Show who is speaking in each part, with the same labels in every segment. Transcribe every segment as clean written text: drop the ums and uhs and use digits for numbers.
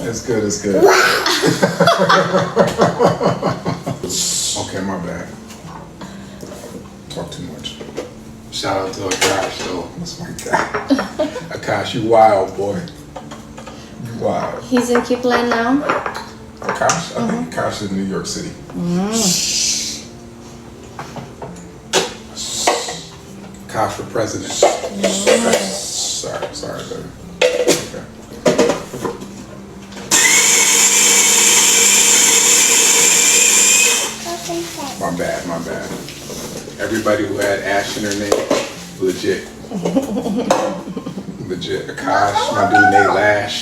Speaker 1: It's good. It's good. Okay, my bad. Talk too much. Shout out to Akash though. That's my guy. Akash, you wild boy. You wild.
Speaker 2: He's in Cleveland now.
Speaker 1: Akash? I think Akash is in New York City. Akash for president. Sorry, baby. Okay. My bad. Everybody who had Ash in their name, legit. Legit. Akash, my dude Nate Lash.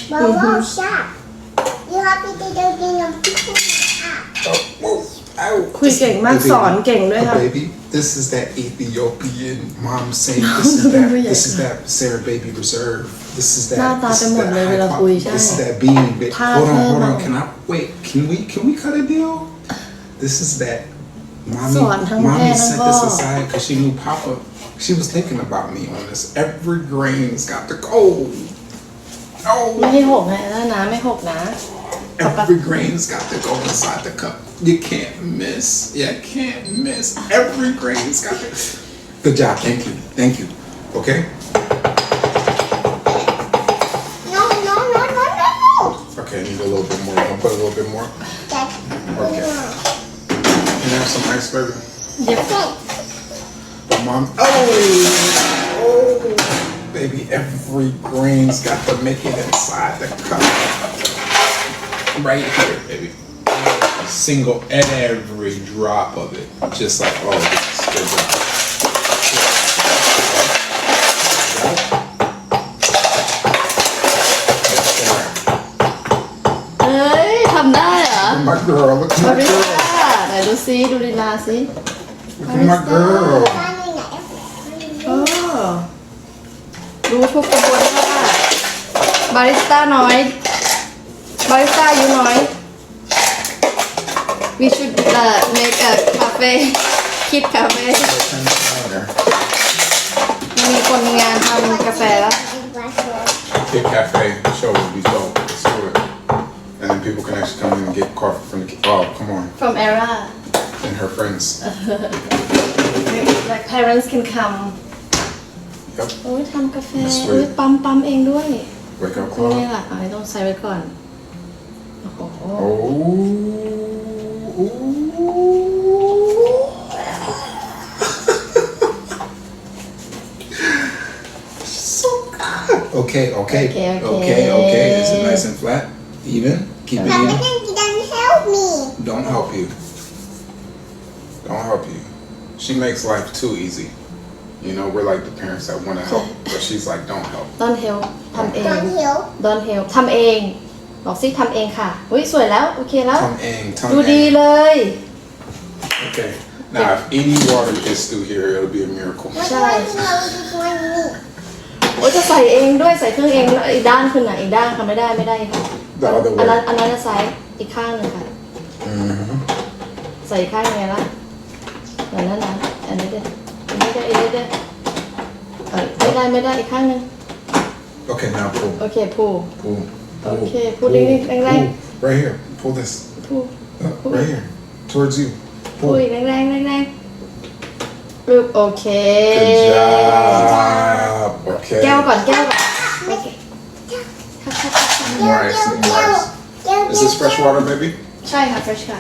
Speaker 3: You happy to do
Speaker 1: Oh, whoa. Ow.
Speaker 2: คุยเก่งมากสอนเก่งด้วยค่ะ
Speaker 1: Baby, this is that Ethiopian mom saying this is that Sarah Baby Reserve. This is that.
Speaker 2: หน้าตาจะหมดเลยเวลาคุยใช่
Speaker 1: This is that bean. Hold on.
Speaker 2: Mom.
Speaker 1: Can I wait? Can we cut a deal? This is that.
Speaker 2: สอนทั้งแม่
Speaker 1: Mommy
Speaker 2: ทั้ง
Speaker 1: set
Speaker 2: พ่อ
Speaker 1: this aside because she knew Papa. She was thinking about me on this. Every grain's got to go.
Speaker 2: ไม่
Speaker 1: No.
Speaker 2: ให้หกนะไม่หกนะ
Speaker 1: Every grain's got to go inside the cup. You can't miss. You can't miss. Every grain's got to. Good job. Thank you. Okay.
Speaker 3: No.
Speaker 1: Okay. Need a little bit more. I'll put a little bit more. Okay. Can I have some ice, baby?
Speaker 2: เดี๋ยว
Speaker 1: But mom. Oh, baby. Every grain's got to make it inside the cup. Right here, baby. Single every drop of it. Just like all this. Good job.
Speaker 2: เอ้ยทำได้เหรอ
Speaker 1: My girl, look at
Speaker 2: บา
Speaker 1: my
Speaker 2: ริส
Speaker 1: girl.
Speaker 2: ต้าไหนดูซิดูลีลาซิ
Speaker 1: Look at my girl.
Speaker 2: เออรู้ทุกกระบวนท่าบาริสต้าน้อยบาริสต้าอายุน้อย we should make a cafe kid cafe มีคนงานทำกาแฟแล้ว
Speaker 1: Kid Cafe show would be dope. Let's do it. And then people can actually come in and get coffee from the kid. Oh, come on.
Speaker 2: from era
Speaker 1: And her friends.
Speaker 2: like parents can come
Speaker 1: Yep.
Speaker 2: โอ้ยทำกาแฟ
Speaker 1: That's
Speaker 2: โอ้ย
Speaker 1: right.
Speaker 2: ปั๊มเองด้วย
Speaker 1: Wake up
Speaker 2: คือนี่
Speaker 1: call.
Speaker 2: แหละอันนี้ต้องใส่ไว้ก่อนโอ้โห
Speaker 1: So good. Okay. Is it nice and flat? Even? Keep it even?
Speaker 3: Doesn't help me.
Speaker 1: Don't help you. She makes life too easy. You know, we're like the parents that want to help, but she's like, don't help.
Speaker 2: don't help ทำเอง
Speaker 3: Don't help.
Speaker 2: don't help ทำเองบอกสิทำเองค่ะอุ้ยสวยแล้วโอเคแล้ว
Speaker 1: Tongue
Speaker 2: ดูดี
Speaker 1: in.
Speaker 2: เลย
Speaker 1: Okay. Now, if any water gets through here, it'll be a miracle.
Speaker 3: What do I know this one me?
Speaker 2: โอ้ยจะใส่เองด้วยใส่เครื่องเองแล้วอีกด้านขึ้นอ่ะอีกด้านค่ะไม่ได้ค่ะ
Speaker 1: The other
Speaker 2: อันนั้น
Speaker 1: way.
Speaker 2: อันนั้นจะใส่อีกข้างหนึ่งค่ะ
Speaker 1: Mm-hmm.
Speaker 2: ใส่อีกข้างไงล่ะอย่างนั้นนะอันนี้เด้อันนี้เด้ไม่ได้อีกข้างหนึ่ง
Speaker 1: Okay, now pull.
Speaker 2: โอเคพู
Speaker 1: Pull.
Speaker 2: Okay, pull it in, right?
Speaker 1: Right here. Pull this.
Speaker 2: พู
Speaker 1: Right here. Towards you.
Speaker 2: พู
Speaker 1: Pull.
Speaker 2: อีกแรงปึ๊บโอเค
Speaker 1: Good job. Okay.
Speaker 2: แก้วก่อนโอเค
Speaker 1: More ice. Is this fresh water, baby?
Speaker 2: ใช่ค่ะ fresh ค่ะ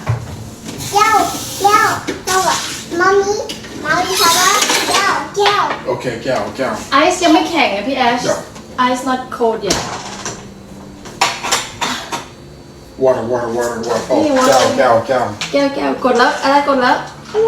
Speaker 3: Mommy, Papa, go.
Speaker 1: Okay, cow.
Speaker 2: ไอซ์ยังไม่แข็งนะพี่แอช
Speaker 1: Yeah.
Speaker 2: ไอซ์ not cold yet
Speaker 1: Water. Oh,
Speaker 2: Hey, water.
Speaker 1: cow.
Speaker 2: แก้วกดแล้วอะไรกดแล้ว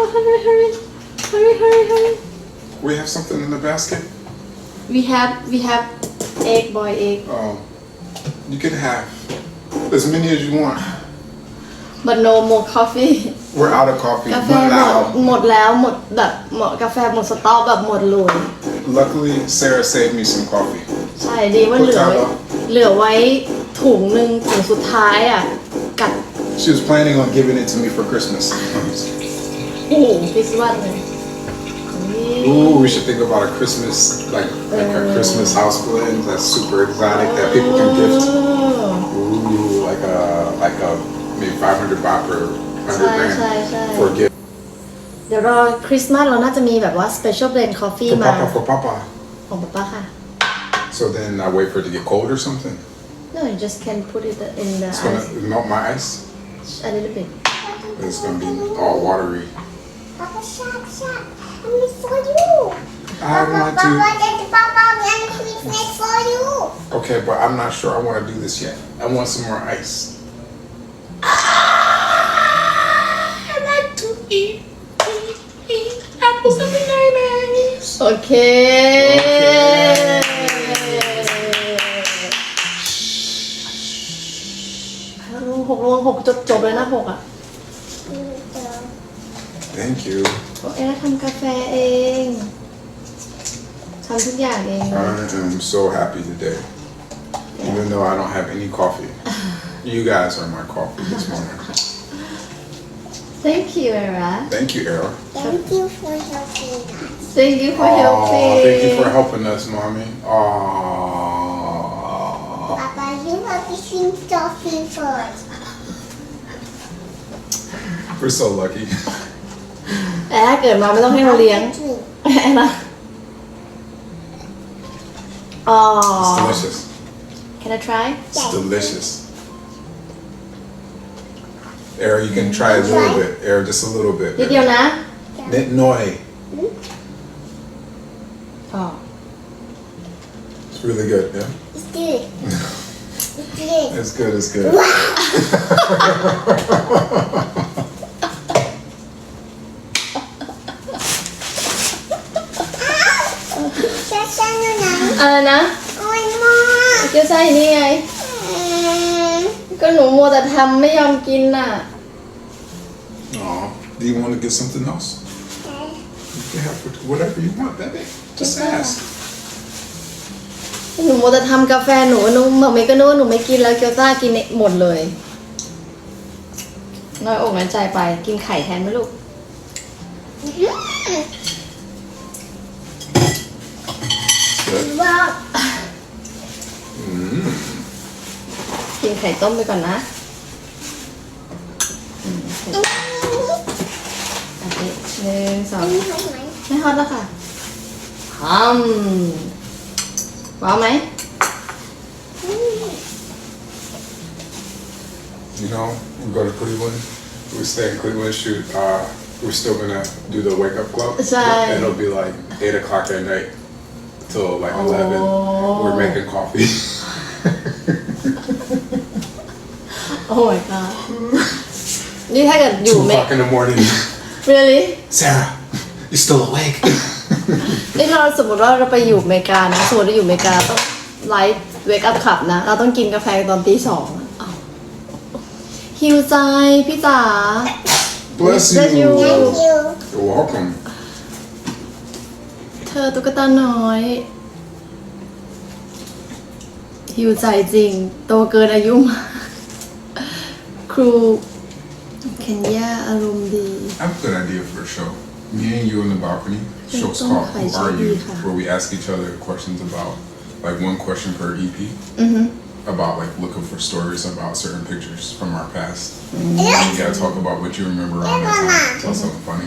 Speaker 2: hurry
Speaker 1: We have something in the basket?
Speaker 2: we have egg boy egg
Speaker 1: You can have as many as you want.
Speaker 2: but no more coffee
Speaker 1: We're out of coffee.
Speaker 2: กาแฟ
Speaker 1: One now.
Speaker 2: หมดแล้วหมดแบบกาแฟหมดสต็อกแบบหมดเลย
Speaker 1: Luckily, Sarah saved me some coffee.
Speaker 2: ใช่ดีว่าเหลือไว้ถุงหนึ่งถุงสุดท้ายอ่ะกัด
Speaker 1: She was planning on giving it to me for Christmas.
Speaker 2: โอ้โหพิซซ่าเลยนี่
Speaker 1: Ooh, we should think about a Christmas, like a Christmas house blend that's super exotic that people can gift. Ooh, like a maybe 500 baht per 100 grand for a gift.
Speaker 2: เดี๋ยวรอคริสต์มาสเราน่าจะมีแบบว่า special blend coffee
Speaker 1: For
Speaker 2: มา
Speaker 1: Papa, for Papa.
Speaker 2: ของป๊าป๊าค่ะ
Speaker 1: So then I wait for it to get cold or something.
Speaker 2: No you just can put it in the
Speaker 1: It's
Speaker 2: ice
Speaker 1: gonna melt my ice.
Speaker 2: a little bit
Speaker 1: It's gonna be all watery.
Speaker 3: Papa, shut. I'm for you.
Speaker 1: I want to.
Speaker 3: Papa, I'm Christmas for you.
Speaker 1: Okay, but I'm not sure I want to do this yet. I want some more ice. I like to eat apples and bananas.
Speaker 2: โอเค หกจบเลยนะ6อ่ะ
Speaker 1: Thank you.
Speaker 2: โอเคทำกาแฟเองทำทุกอย่างเอง
Speaker 1: I am so happy today. Even though I don't have any coffee. You guys are my coffee this morning.
Speaker 2: Thank you Era
Speaker 1: Thank you, Era.
Speaker 3: Thank you for helping us.
Speaker 2: Thank you for helping
Speaker 1: Thank you for helping us, Mommy. Aww.
Speaker 3: Papa, you have to sing coffee first.
Speaker 1: We're so lucky.
Speaker 2: แอร์เกิดมาไม่ต้องให้เราเลี้ยง
Speaker 3: Drink.
Speaker 2: แอร์นะอ๋อ
Speaker 1: It's delicious.
Speaker 2: Can I try
Speaker 1: It's delicious. Era, you can try a little bit. Era, just a little bit.
Speaker 2: นิดเดียวนะ
Speaker 1: Nit noi.
Speaker 2: อ๋อ
Speaker 1: It's really good, yeah?
Speaker 3: It's good. It's good.
Speaker 1: It's good, it's good.
Speaker 3: Just stand
Speaker 2: อะไรนะ
Speaker 3: Oh, Mom.
Speaker 2: เกี๊ยวซ่าอยู่นี่ไง ก็หนูมัวแต่ทำไม่ยอมกินน่ะ
Speaker 1: Aw, do you want to get something else? You can have whatever you want, baby. Just ask.
Speaker 2: หนูมัวแต่ทำกาแฟหนูบอกไม่ก็นึกว่าหนูไม่กินแล้วเกี๊ยวซ่ากินหมดเลยน้อยอกน้อยใจไปกินไข่แทนไหมลูก
Speaker 1: Good.
Speaker 3: Wow.
Speaker 2: กินไข่ต้มไปก่อนนะโอเค1 2ไม่ฮอตแล้วค่ะว้าวไหม
Speaker 1: You know, we go to Cleveland. We stay in Cleveland. Shoot, we're still gonna do the wake up club.
Speaker 2: Right.
Speaker 1: And it'll be like 8 o'clock at night till like 11. We're making coffee.
Speaker 2: Oh my god นี่ถ้าเกิดอยู่
Speaker 1: 2 o'clock in the morning.
Speaker 2: really
Speaker 1: Sarah, you still awake?
Speaker 2: นี่เราสมมติว่าเราไปอยู่อเมริกานะสมมติเราอยู่อเมริกาต้องไลฟ์เวกอัพขับนะเราต้องกินกาแฟตอนตี 2อ้าวหิวใจพี่จ๋า
Speaker 1: Bless
Speaker 2: Bless you.
Speaker 1: you.
Speaker 3: Thank you.
Speaker 1: You're welcome.
Speaker 2: เธอตุ๊กตาน้อยหิวใจจริงโตเกินอายุมากครูเคนยาอารมณ์ดี
Speaker 1: I have a good idea for a show. Me and you in the balcony. Show's
Speaker 2: Don't
Speaker 1: called
Speaker 2: hide
Speaker 1: Who Are
Speaker 2: your
Speaker 1: You?
Speaker 2: behind.
Speaker 1: Where we ask each other questions about, like one question per EP. About like looking for stories about certain pictures from our past. And you gotta talk about what you remember around that time. Tell something funny.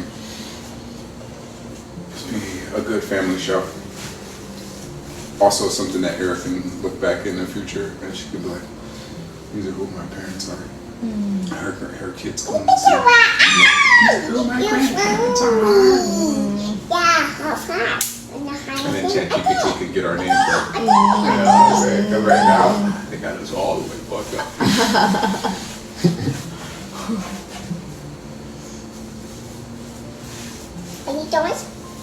Speaker 1: Just be a good family show. Also something that Eric can look back in the future and she could be like, these are who my parents are. Her kids come and see. Who my grandparents are.
Speaker 3: Yeah, of course.
Speaker 1: And then ChatGPT could get our names right. You know what I'm saying? 'Cause right now, they got us all the way fucked up.
Speaker 3: Any toys?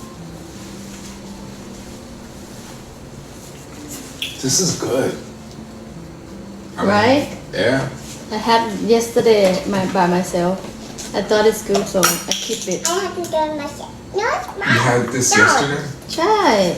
Speaker 1: This is good. I mean,
Speaker 2: Right?
Speaker 1: Yeah.
Speaker 2: I had yesterday by myself I thought it's good so I keep it
Speaker 3: I have to do it myself. No, it's
Speaker 1: You
Speaker 3: mine.
Speaker 1: had this
Speaker 3: No.
Speaker 1: yesterday?
Speaker 2: ใช่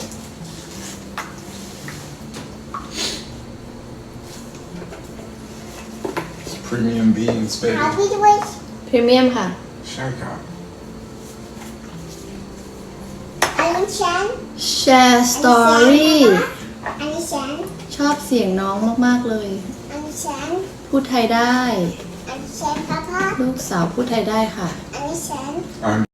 Speaker 1: It's premium beans, baby.
Speaker 3: Happy to wait.
Speaker 2: พรีเมียมค่ะ
Speaker 1: Shy cow.
Speaker 3: I นี้ฉัน
Speaker 2: share story
Speaker 3: อันนี้ฉัน
Speaker 2: ชอบเสียงน้องมากๆเลย
Speaker 3: อันนี้ฉัน
Speaker 2: พูดไทยได้
Speaker 3: อันนี้ฉันพ่อพ่อ
Speaker 2: ลูกสาวพูดไทยได้ค่ะ
Speaker 3: อันนี้ฉัน
Speaker 1: I'm